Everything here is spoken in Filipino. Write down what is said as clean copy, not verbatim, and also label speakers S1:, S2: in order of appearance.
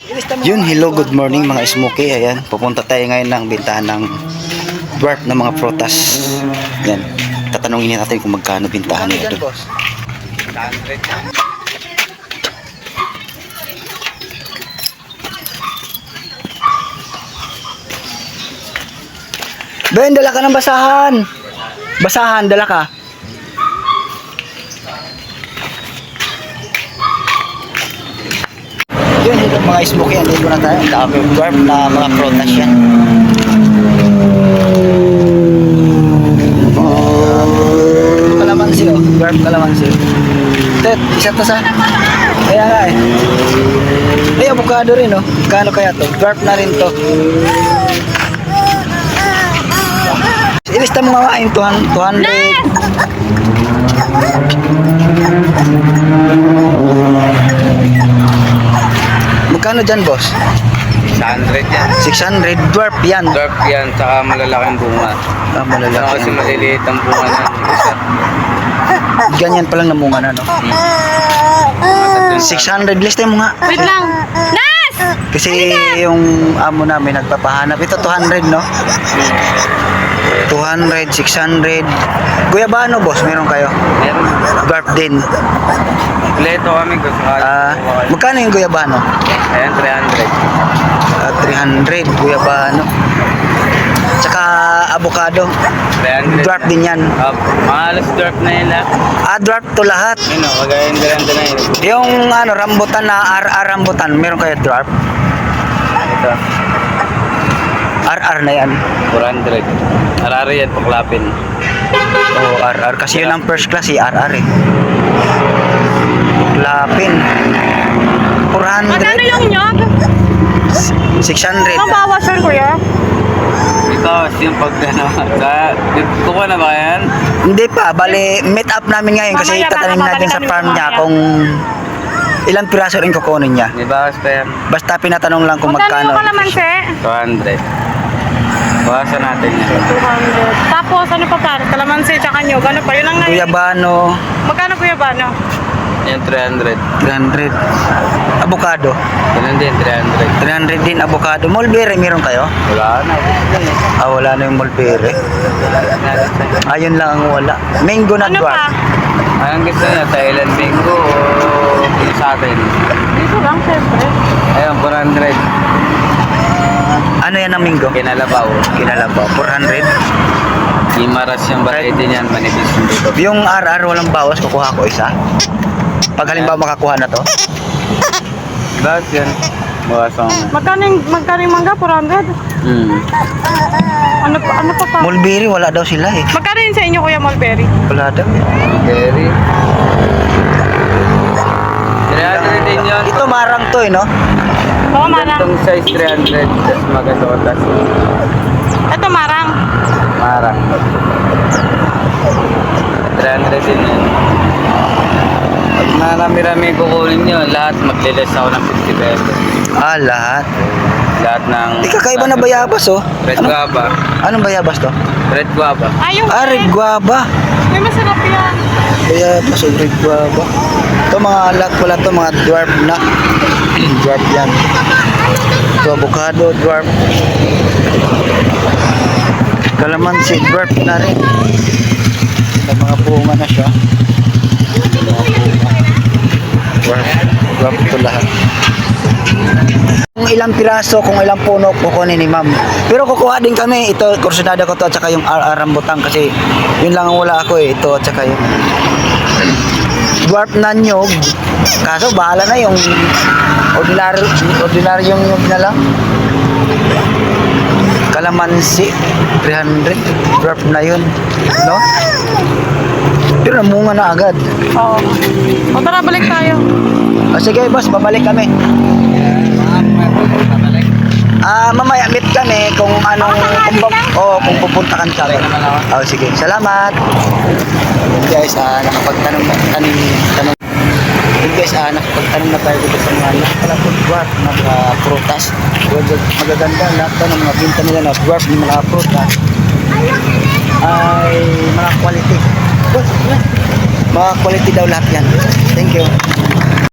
S1: Yun, hello, good morning mga smoky. Ayan, pupunta tayo ngayon ng bintahan ng dwarf na mga prutas. Ayan, tatanungin natin kung magkano bintahan nila doon. Ben, dala ka ng basahan. Basahan, dala ka. Yun, ito mga smoky, andito na tayo. Ang dami dwarf na mga prutas yan. Kalamansi, oh. Dwarf kalamansi. Tet, isa to sa... Kaya nga eh. Ay, avocado rin, oh. Kano kaya to? Dwarf na rin to. Ilista mo nga yung 200. Magkano dyan, boss?
S2: 600 yan.
S1: 600, dwarf yan.
S2: Dwarf yan, saka malalaking bunga.
S1: Malalaki.
S2: Kasi maliliit ang bunga na isa.
S1: Ganyan pa lang namunga na, no? 600, lista mo nga.
S3: Wait lang. Nas!
S1: Kasi yung amo namin nagpapahanap. Ito 200, no? 200, 600. Guyabano, boss, meron kayo?
S2: Meron.
S1: Dwarf din.
S2: Kompleto kami kung sakali.
S1: Magkano yung guyabano?
S2: Ayan,
S1: 300,
S2: 300.
S1: guyabano. Tsaka avocado.
S2: 300.
S1: Dwarf din yan.
S2: Mga alas dwarf na yun lahat.
S1: Dwarf to lahat.
S2: Yun o, kagayang ganda na yun.
S1: Yung ano, rambutan na RR rambutan, meron kayo dwarf?
S2: Ito,
S1: RR na yan.
S2: 400. Arari yan, paklapin.
S1: Oo, RR. Kasi yun ang first class, RR eh. Lapin. 400.
S3: Magkano yung nyog?
S1: 600.
S3: Mabawasan kuya.
S2: Ito, yung pagdano. Kukuha na ba yan?
S1: Hindi pa. Bali, meet up namin ngayon kasi
S3: Mamaya,
S1: tatanim
S3: baka
S1: natin sa
S3: babalikan
S1: farm
S3: yung
S1: niya
S3: mamaya.
S1: kung ilang piraso rin kukunin niya.
S2: May bawas pa yan.
S1: Basta pinatanong lang kung
S3: Magkano yung
S1: magkano.
S3: kalamansi?
S2: 200. Bawasan natin yan.
S3: 200. Tapos ano pa para? Kalamansi tsaka nyog. Ano pa? Yun ang ngayon.
S1: Guyabano,
S3: Magkano kuya ba? No?
S2: Yan, 300.
S1: 300. Avocado,
S2: Ganun din, 300.
S1: 300 din avocado. Mulberry, meron kayo?
S2: Wala na.
S1: Wala na yung mulberry. Ayun lang ang wala. Mango na
S3: Ano
S1: dwarf.
S3: pa?
S2: Anong gusto niya? Thailand mango o sa atin?
S3: Dito lang, siyempre.
S2: Ayun, 400.
S1: Ano yan ang mango?
S2: Kinalabaw.
S1: Kinalabaw, 400.
S2: Imaras yung variety niyan, manipis yung dito.
S1: Yung RR walang bawas, kukuha ko isa. Pag halimbawa makakuha na to.
S2: Bawas yan. Bawasan ko.
S3: Magkano yung mangga? 400? Ano pa?
S1: Mulberry, wala daw sila eh.
S3: Magkano yun sa inyo kuya Mulberry?
S1: Wala daw.
S2: Berry. 300 din yun.
S1: Ito marang to eh, no?
S3: Oo, marang.
S2: Itong size 300. Tapos maganda ko tas.
S3: Ito marang.
S2: Marang. 300 din yun. Pag marami-rami kukunin nyo, lahat maglilis ako ng 50 pesos.
S1: Lahat.
S2: Lahat ng...
S1: Kakaiba na bayabas oh.
S2: Red guava.
S1: Anong bayabas to?
S2: Red guava.
S3: Yung
S1: Red guava.
S3: May masarap yan.
S1: Bayabas o red guava. Ito mga lahat pala to, mga dwarf na. Dwarf yan. Ito avocado, dwarf. Kalamansi, dwarf na rin. Ito mga bunga na siya. Dwarf to lahat. Kung ilang piraso, kung ilang puno kukunin ni ma'am. Pero kukuha din kami. Ito, kursunada ko to at saka yung rambutan kasi yun lang ang wala ako eh. Ito at saka yung dwarf na nyog. Kaso bahala na yung ordinaryong nyog na lang. Kalamansi 300, dwarf na yun, no? Pero namunga na agad.
S3: Oo. O tara, balik tayo.
S1: Sige boss, babalik kami. Mamaya meet kami kung anong kung pupunta kan kami. Sige, salamat. Guys, nakapagtanong na tayo dito sa mga napalapot dwarf na mga prutas. Magaganda lahat ng mga binta nila na dwarf ng mga prutas ay mga quality. Mga quality daw lahat yan. Thank you.